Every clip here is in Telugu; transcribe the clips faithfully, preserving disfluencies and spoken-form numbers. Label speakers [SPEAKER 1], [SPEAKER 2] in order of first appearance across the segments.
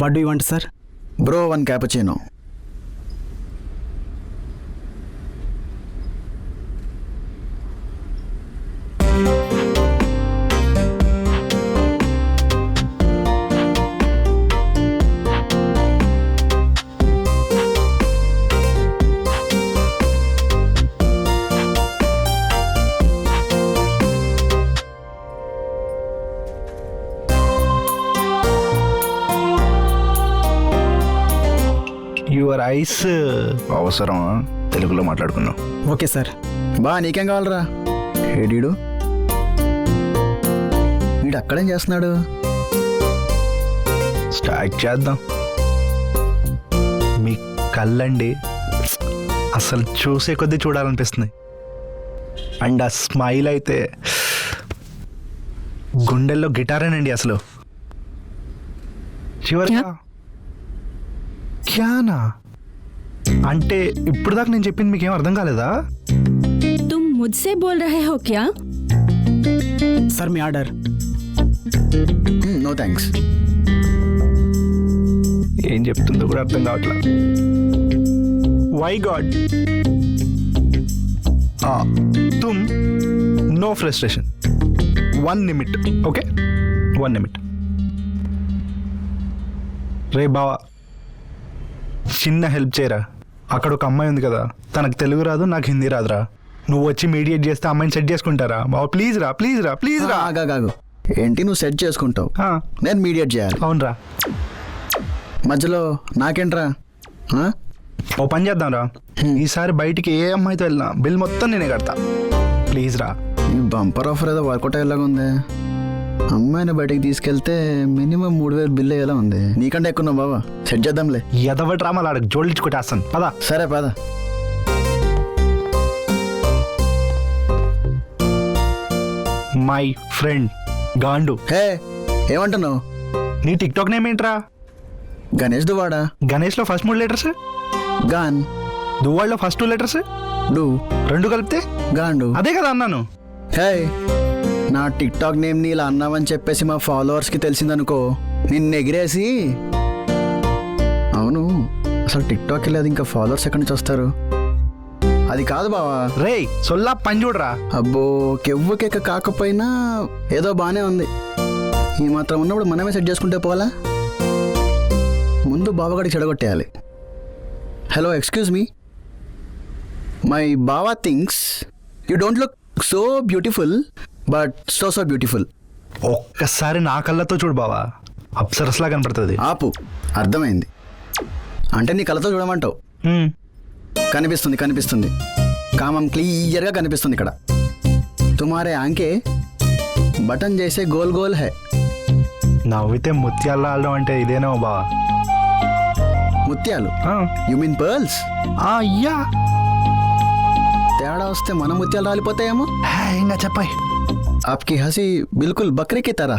[SPEAKER 1] What do you want sir?
[SPEAKER 2] Bro one cappuccino.
[SPEAKER 3] Your ice అవసరం, తెలుగులో మాట్లాడుకుందాం.
[SPEAKER 1] Okay sir.
[SPEAKER 2] బా నీకేం కావాలరా? ఏడీడు వీడు అక్కడేం చేస్తున్నాడు?
[SPEAKER 3] స్టార్ట్ చేద్దాం. మీ కళ్ళండి అసలు చూసే కొద్దీ చూడాలనిపిస్తుంది. అండ్ ఆ స్మైల్ అయితే గుండెల్లో గిటారేనండి అసలు. చివరిగా క్యానా అంటే ఇప్పుడు దాకా నేను చెప్పింది మీకేం అర్థం కాలేదా?
[SPEAKER 4] तुम मुझसे बोल रहे हो क्या?
[SPEAKER 1] సార్ మీ ఆర్డర్.
[SPEAKER 2] No thanks.
[SPEAKER 3] ఏం చెప్తుందో కూడా అర్థం కావట్లా. Why god. తుమ్ no frustration, one minute. Okay, one minute. రే బావా, చిన్న హెల్ప్ చేయరా. అక్కడ ఒక అమ్మాయి ఉంది కదా, తనకు తెలుగు రాదు, నాకు హిందీ రాదురా. నువ్వు వచ్చి మీడియేట్ చేస్తే అమ్మాయిని సెట్ చేసుకుంటారా బావా? ప్లీజ్ రా, ప్లీజ్ రా, ప్లీజ్ రా.
[SPEAKER 2] ఆగాగాగు. ఏంటి నువ్వు సెట్ చేసుకుంటావు,
[SPEAKER 3] ఆ,
[SPEAKER 2] నేను మీడియేట్ చేయాలి?
[SPEAKER 3] అవునరా.
[SPEAKER 2] మధ్యలో నాకేంట్రా? ఆ?
[SPEAKER 3] ఓ పని చేద్దాం రా, ఈసారి బయటికి ఏ అమ్మాయితో వెళ్ళినా బిల్ మొత్తం నేనే కడతా. ప్లీజ్ రా.
[SPEAKER 2] ఈ బంపర్ ఆఫర్ ఏదో వర్కౌట్ అయ్యేలాగా ఉంది. అమ్మాయిని బయటికి తీసుకెళ్తే మినిమం మూడు వేలు బిల్ అయ్యేలా ఉంది. నీకంటే ఎక్కువ బాబా, సెట్ చేద్దాంలే.
[SPEAKER 3] ఎదవటి రామాలు ఆడకు జోడించి కొట్టేస్తాను పదా.
[SPEAKER 2] సరే పద.
[SPEAKER 3] My friend గాండు.
[SPEAKER 2] హే ఏమంటున్నావు?
[SPEAKER 3] నీ టిక్ టాక్ నేమ్ ఏంట్రా?
[SPEAKER 2] గణేష్ దువాడా.
[SPEAKER 3] గణేష్లో ఫస్ట్ మూడు లెటర్స్,
[SPEAKER 2] గాన్.
[SPEAKER 3] దువ్వాళ్ళలో ఫస్ట్ టూ లెటర్స్,
[SPEAKER 2] డు.
[SPEAKER 3] రెండు కలిపితే
[SPEAKER 2] గాండు.
[SPEAKER 3] అదే కదా అన్నాను.
[SPEAKER 2] హే నా టిక్ టాక్ నేమ్ ని ఇలా అన్నావని చెప్పేసి మా ఫాలోవర్స్కి తెలిసిందనుకో, నిన్ను ఎగిరేసి. అవును, అసలు టిక్ టాక్ వెళ్ళేది ఇంకా ఫాలోవర్స్ ఎక్కడి నుంచి వస్తారు? అది కాదు బావా.
[SPEAKER 3] రే సొల్లా పని చూడరా.
[SPEAKER 2] అబ్బో, కెవ్వు కేక కాకపోయినా ఏదో బాగానే ఉంది. ఈ మాత్రం ఉన్నప్పుడు మనమే సెట్ చేసుకుంటే పోవాలా? ముందు బావగాడికి చెడగొట్టేయాలి. Hello, excuse me. మై బావా things you don't look so beautiful, but so so beautiful.
[SPEAKER 3] ఒక్కసారి నా కళ్ళతో చూడు బావా, అప్సరస్లా కనపడుతుంది.
[SPEAKER 2] ఆపు, అర్థమైంది. అంటే నీ కళ్ళతో చూడమంటావు.
[SPEAKER 3] హ్మ్.
[SPEAKER 2] కనిపిస్తుంది కనిపిస్తుంది కామం క్లియర్గా కనిపిస్తుంది ఇక్కడ. తుమారే ఆంకే బటన్ చేసే గోల్ గోల్ హై.
[SPEAKER 3] నవ్వితే ముత్యాలు ఆడడం అంటే ఇదేనో బావా.
[SPEAKER 2] ముత్యాలు?
[SPEAKER 3] ఆ.
[SPEAKER 2] You mean pearls?
[SPEAKER 3] అయ్యా,
[SPEAKER 2] తేడా వస్తే మన ముత్యాలు రాలిపోతాయేమో.
[SPEAKER 3] ఇంకా చెప్పాయి.
[SPEAKER 2] आपकी हंसी बिल्कुल बकरे की तरह.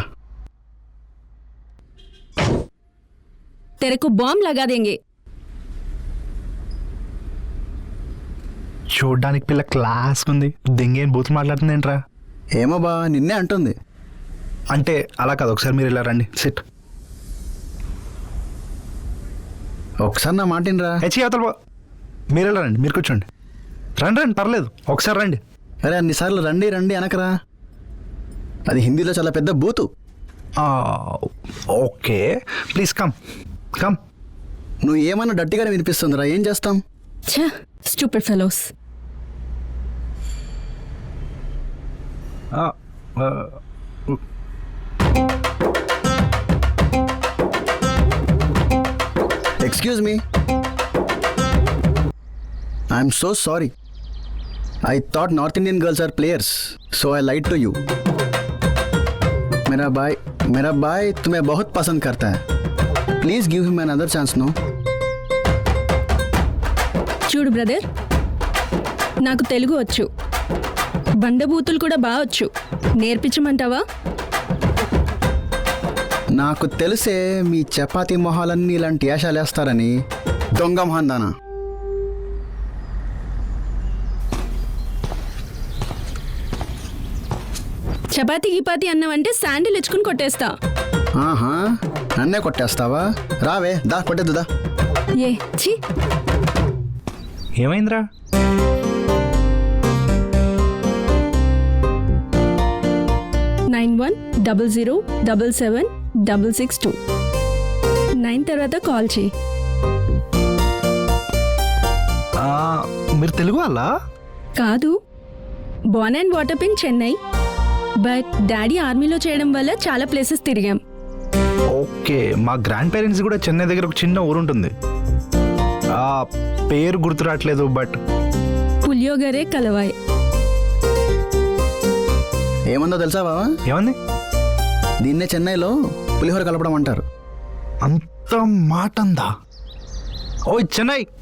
[SPEAKER 4] तेरे को बॉम्ब लगा देंगे.
[SPEAKER 3] చూడ్డానికి పిల్ల క్లాస్ ఉంది, దెంగేం బూత్ మాట్లాడుతుంది ఏంట్రా?
[SPEAKER 2] ఏమో బా, నిన్నే అంటుంది.
[SPEAKER 3] అంటే అలా కాదు, ఒకసారి మీరు ఇలా రండి. సిట్.
[SPEAKER 2] ఒకసారి నా మాటినరా.
[SPEAKER 3] హెచ్చి అవతల బా. మీరు ఇలా రండి, మీరు కూర్చోండి. రండి రండి, పర్లేదు, ఒకసారి రండి.
[SPEAKER 2] అరే అన్నిసార్లు రండి రండి అనకరా, అది హిందీలో చాలా పెద్ద బూతు.
[SPEAKER 3] Okay, please come come.
[SPEAKER 2] నువ్వు ఏమన్నా డట్టిగానే వినిపిస్తుందిరా, ఏం చేస్తాం?
[SPEAKER 4] छह stupid fellows.
[SPEAKER 2] Excuse me. I'm so sorry. I thought North Indian girls are players, so I lied to you. मेरा भाई मेरा भाई तुम्हें बहुत पसंद करता है. Please give him another chance, no?
[SPEAKER 4] చూడు బ్రదర్, నాకు తెలుగు వచ్చు, బండబూతులు కూడా బాగా వచ్చు. నేర్పించమంటావా?
[SPEAKER 2] నాకు తెలిసే మీ చపాతీ మొహాలన్నీ ఇలాంటి యాషాలు వేస్తారని. దొంగ మొహందానా.
[SPEAKER 4] చపాతీ గిపాతి అన్నావంటే శాండిల్ ఇచ్చుకుని కొట్టేస్తా.
[SPEAKER 2] ఆహా, నన్నే కొట్టేస్తావా? రావే, దా కొట్టేద్దు దా.
[SPEAKER 4] ఏ ఛీ
[SPEAKER 3] ఏమైందిరా?
[SPEAKER 4] Nine one double zero double seven double six two nine తర్వాత కాల్ చేయి.
[SPEAKER 3] ఆ, మీరు తెలుగు వాళ్ళ?
[SPEAKER 4] కాదు, born and water in Chennai, but daddy ఆర్మీలో చేయడం వల్ల చాలా ప్లేసెస్ తిరిగాం.
[SPEAKER 3] ఓకే, మా గ్రాండ్ పేరెంట్స్ కూడా చెన్నై దగ్గర ఒక చిన్న ఊరు ఉంటుంది. ఆ పేరు గుర్తు రావట్లేదు, బట్
[SPEAKER 4] పులియోగరే కలవాయ్.
[SPEAKER 2] ఏముందో తెలుసా బావా?
[SPEAKER 3] ఏమంది?
[SPEAKER 2] దీన్నే చెన్నైలో పులిహోర కలపడం అంటారు.
[SPEAKER 3] అంత మాట అందా? ఓయ్ చెన్నై,